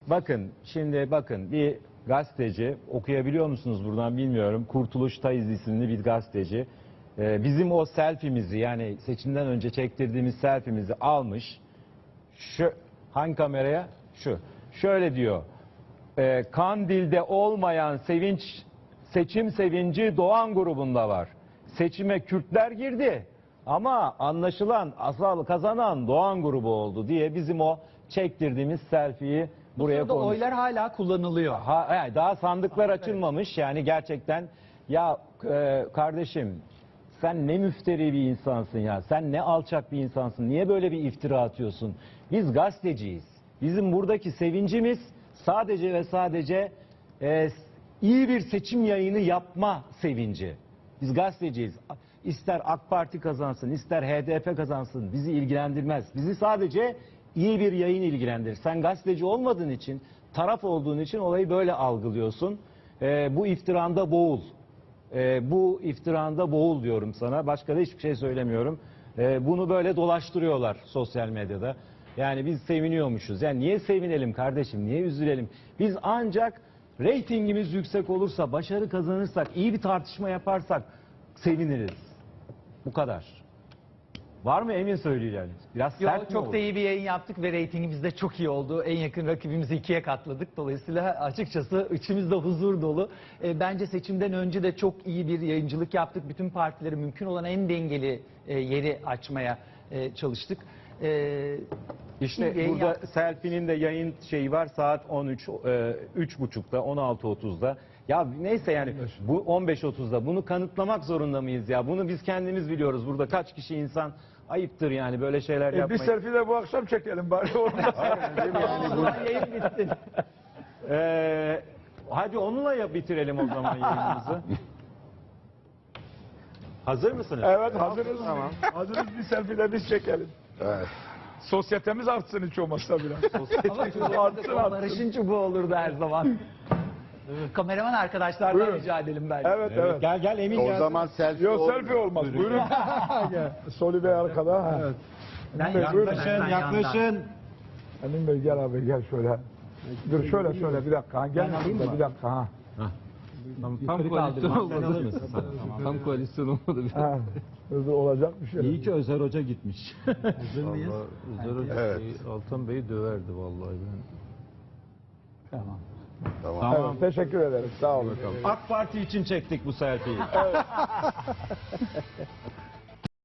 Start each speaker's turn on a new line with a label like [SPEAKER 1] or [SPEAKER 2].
[SPEAKER 1] Bakın şimdi bakın bir gazeteci okuyabiliyor musunuz buradan bilmiyorum. Kurtuluş Tayiz isimli bir gazeteci. Bizim o selfie'mizi yani seçimden önce çektirdiğimiz selfie'mizi almış. Şu hangi kameraya? Şu. Şöyle diyor. Kandil'de olmayan sevinç, seçim sevinci Doğan grubunda var. Seçime Kürtler girdi ama anlaşılan asal kazanan Doğan grubu oldu diye bizim o çektirdiğimiz selfie'yi buraya
[SPEAKER 2] Burada
[SPEAKER 1] koymuş.
[SPEAKER 2] oylar hala kullanılıyor.
[SPEAKER 1] Daha sandıklar açılmamış yani gerçekten ya kardeşim sen ne müfteri bir insansın ya, sen ne alçak bir insansın, niye böyle bir iftira atıyorsun? Biz gazeteciyiz, bizim buradaki sevincimiz sadece ve sadece iyi bir seçim yayını yapma sevinci. Biz gazeteciyiz. İster AK Parti kazansın, ister HDP kazansın bizi ilgilendirmez. Bizi sadece iyi bir yayın ilgilendirir. Sen gazeteci olmadığın için, taraf olduğun için olayı böyle algılıyorsun. Bu iftiranda boğul. Bu iftiranda boğul diyorum sana. Başka da hiçbir şey söylemiyorum. Bunu böyle dolaştırıyorlar sosyal medyada. Yani biz seviniyormuşuz. Yani niye sevinelim kardeşim? Niye üzülelim? Biz ancak reytingimiz yüksek olursa, başarı kazanırsak, iyi bir tartışma yaparsak seviniriz. Bu kadar. Var mı emin söyleyeceğiniz? Biraz
[SPEAKER 2] Yo,
[SPEAKER 1] sert mi
[SPEAKER 2] çok
[SPEAKER 1] oldu?
[SPEAKER 2] da iyi bir yayın yaptık ve reytingimiz de çok iyi oldu. En yakın rakibimizi 2'ye katladık. Dolayısıyla açıkçası içimizde huzur dolu. Bence seçimden önce de çok iyi bir yayıncılık yaptık. Bütün partileri mümkün olan en dengeli yeri açmaya çalıştık.
[SPEAKER 1] İşte
[SPEAKER 2] yayın
[SPEAKER 1] burada
[SPEAKER 2] yaptık.
[SPEAKER 1] Selfie'nin de yayın şeyi var saat 13, 3.30'da, 16.30'da. Ya neyse yani bu 15.30'da bunu kanıtlamak zorunda mıyız ya? Bunu biz kendimiz biliyoruz. Burada kaç kişi insan ayıptır yani böyle şeyler
[SPEAKER 3] Bir
[SPEAKER 1] yapmayı.
[SPEAKER 3] selfie de bu akşam çekelim bari orada.
[SPEAKER 2] Yayın bitti.
[SPEAKER 1] Hadi onunla bitirelim o zaman yayınımızı. Hazır mısınız?
[SPEAKER 3] Evet hazırız. Tamam. Hazırız bir selfie de biz çekelim.
[SPEAKER 4] Evet.
[SPEAKER 3] Sosyetemiz artsın hiç olmazsa biraz.
[SPEAKER 2] Ama Barış'ın çubuğu olurdu her zaman. Kameraman arkadaşlardan
[SPEAKER 3] Buyurun.
[SPEAKER 2] rica edelim belki.
[SPEAKER 3] Evet evet.
[SPEAKER 1] Gel Emin
[SPEAKER 4] O
[SPEAKER 1] gel.
[SPEAKER 4] zaman selfie
[SPEAKER 3] Yok
[SPEAKER 4] olmuyor.
[SPEAKER 3] selfie olmaz. Buyurun. Soli Bey arkada. Ha.
[SPEAKER 2] Ben
[SPEAKER 3] Buyurun.
[SPEAKER 2] yandan,
[SPEAKER 1] Yaklaşın.
[SPEAKER 3] Emin Bey gel abi gel şöyle. Dur şöyle bir dakika. Ha, gel bir dakika. Ha.
[SPEAKER 5] Tam koalisyon olmadı. Tam koalisyon olmadı.
[SPEAKER 3] Ha. Hızlı olacak bir şey.
[SPEAKER 1] İyi ki Özer Hoca gitmiş.
[SPEAKER 5] Hazır mıyız?
[SPEAKER 4] Evet.
[SPEAKER 5] Altan Bey'i döverdi vallahi ben.
[SPEAKER 2] Tamam.
[SPEAKER 4] Tamam.
[SPEAKER 3] Evet, teşekkür ederim. Sağ olun.
[SPEAKER 1] AK Parti için çektik bu selfie'yi.